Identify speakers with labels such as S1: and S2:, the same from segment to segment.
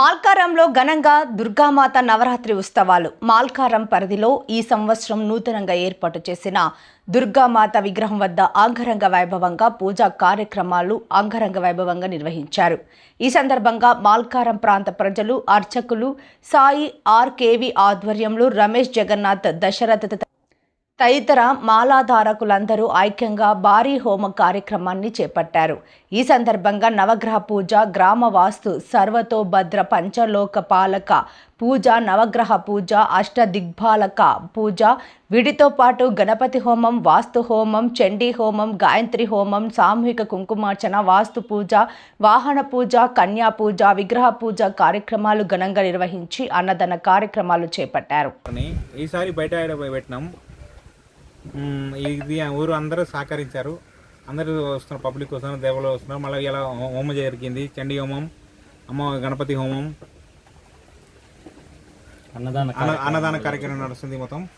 S1: మాల్కారంలో ఘనంగా దుర్గామాత నవరాత్రి ఉత్సవాలు. మాల్కారం పరిధిలో ఈ సంవత్సరం నూతనంగా ఏర్పాటు చేసిన దుర్గామాత విగ్రహం వద్ద అంగరంగ వైభవంగా పూజా కార్యక్రమాలు అంగరంగ వైభవంగా నిర్వహించారు. ఈ సందర్భంగా మాల్కారం ప్రాంత ప్రజలు, అర్చకులు, సాయి ఆర్కేవి ఆధ్వర్యంలో రమేష్ జగన్నాథ్ దశరథ తదితర మాలాధారకులందరూ ఐక్యంగా భారీ హోమ కార్యక్రమాన్ని చేపట్టారు. ఈ సందర్భంగా నవగ్రహ పూజ, గ్రామ వాస్తు, సర్వతోభద్ర పంచలోక పాలక పూజ, నవగ్రహ పూజ, అష్టదిగ్పాలక పూజ, వీటితో పాటు గణపతి హోమం, వాస్తు హోమం, చండీ హోమం, గాయత్రి హోమం, సామూహిక కుంకుమార్చన, వాస్తు పూజ, వాహన పూజ, కన్యా పూజ, విగ్రహ పూజ కార్యక్రమాలు ఘనంగా నిర్వహించి అన్నదాన కార్యక్రమాలు చేపట్టారు.
S2: ఈసారి బయట పెట్టినాం. ఇది ఊరు అందరూ సహకరించారు. అందరూ వస్తున్నారు, పబ్లిక్ వస్తున్నారు, దేవుళ్ళు వస్తున్నారు. మళ్ళీ ఇలా హోమం జరిగింది, చండీ హోమం, గణపతి హోమం, అన్నదాన కార్యక్రమం నడుస్తుంది.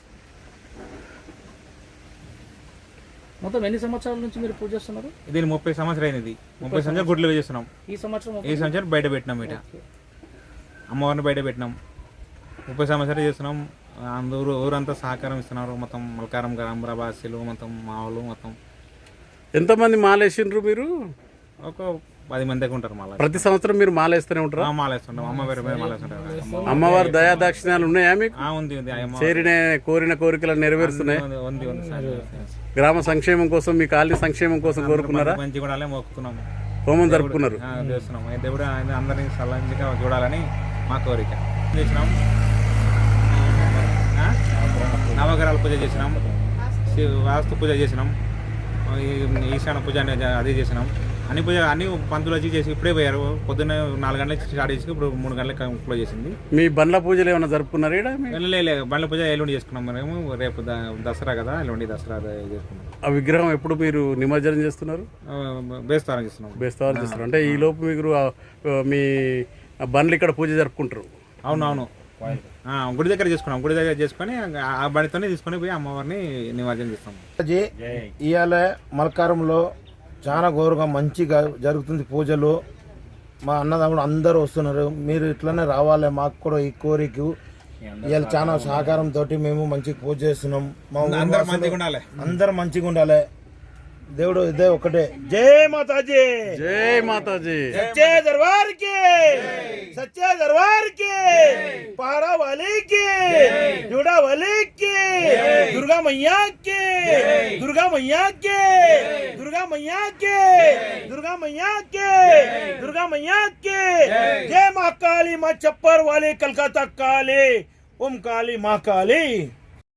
S3: మొత్తం ఎన్ని సంవత్సరాల నుంచి మీరు పూజ చేస్తున్నారు?
S2: ఇది 30 సంవత్సరాలు అయింది. 30 సంవత్సరాలు గుడ్లు చేస్తున్నాం.
S3: ఈ సంవత్సరం
S2: బయట పెట్టినాం. ఇట అమ్మవారిని బయట పెట్టినాం. 30 సంవత్సరాలు చేస్తున్నాం. అందరూ ఊరంతా సహకారం ఇస్తున్నారు. మొత్తం మల్కారం గ్రామవాసులు, మొత్తం మావులు, మొత్తం.
S4: ఎంతమంది మాలేసిండ్రు మీరు?
S2: ఒక 10 మంది దాకా ఉంటారు. మాల
S4: ప్రతి సంవత్సరం మీరు మాలేస్తూనే ఉంటారు?
S2: మాలేస్తుంటాం. అమ్మవారి మీద మాలేస్తుంటారు.
S4: అమ్మవారి దయాదాక్షిణ్యాలు ఉన్నాయా మీకు?
S2: ఉంది.
S4: కోరిన కోరికలను నెరవేరుస్తున్నాయి.
S2: ఉంది.
S4: గ్రామ సంక్షేమం కోసం, మీ కాలనీ సంక్షేమం కోసం కోరుకున్నారా?
S2: మంచి కూడా మొక్కుతున్నాము.
S4: హోమం జరుపుకున్నారు,
S2: చేస్తున్నాం. దేవుడు అందరినీ సల్లంగా చూడాలని మా కోరిక. చేసినాం. నవగ్రహాల పూజ చేసినాం, వాస్తు పూజ చేసినాం, ఈశాన పూజ అదే చేసినాం. అన్ని పంతులు వచ్చి చేసి ఇప్పుడే పోయారు. పొద్దున్న 4 గంటలకు స్టార్ట్ చేసి ఇప్పుడు 3 గంటలకు క్లోజ్ చేసింది.
S4: మీ బండ్ల పూజలు ఏమైనా జరుపుకున్నారు?
S2: లేదు, బండ్ల పూజ ఎల్లుండి చేసుకున్నాం. మేము రేపు దసరా కదా, ఎల్లుండి దసరా చేసుకున్నాం.
S4: ఆ విగ్రహం ఎప్పుడు మీరు నిమజ్జనం చేస్తున్నారు?
S2: బేస్తవారం
S4: చేస్తున్నారు. అంటే ఈ లోపు మీరు మీ బండ్లు ఇక్కడ పూజ జరుపుకుంటారు?
S2: అవునవును. గుడి దగ్గర చేసుకున్నాం. గుడి దగ్గర చేసుకొని ఆ బండితోనే తీసుకొని పోయి అమ్మవారిని నిమజ్జనం చేస్తాం.
S5: ఇవాళ మల్కారంలో చాలా గౌరవంగా మంచిగా జరుగుతుంది పూజలు. మా అన్నదమ్ములు అందరూ వస్తున్నారు. మీరు ఇట్లనే రావాలి. మాకు కూడా ఈ కోరిక. ఇవాళ చాలా సహకారంతో మేము మంచిగా పూజ చేస్తున్నాం. మా అందరు మంచిగా ఉండాలి. దేవుడు ఇదే ఒకటే. జై మాతాజీ,
S4: జై మాతాజీ,
S5: సచ్చే దర్బార్ కి, సచ్చే దర్బార్ కి, पारा वाले की, जोड़ा वाले की, दुर्गा मैया की, दुर्गा मैया की, दुर्गा मैया की, दुर्गा मैया की, दुर्गा मैया की। जय माँ काली, माँ चप्पर वाली, कलकत्ता काली, ओम काली, माँ काली।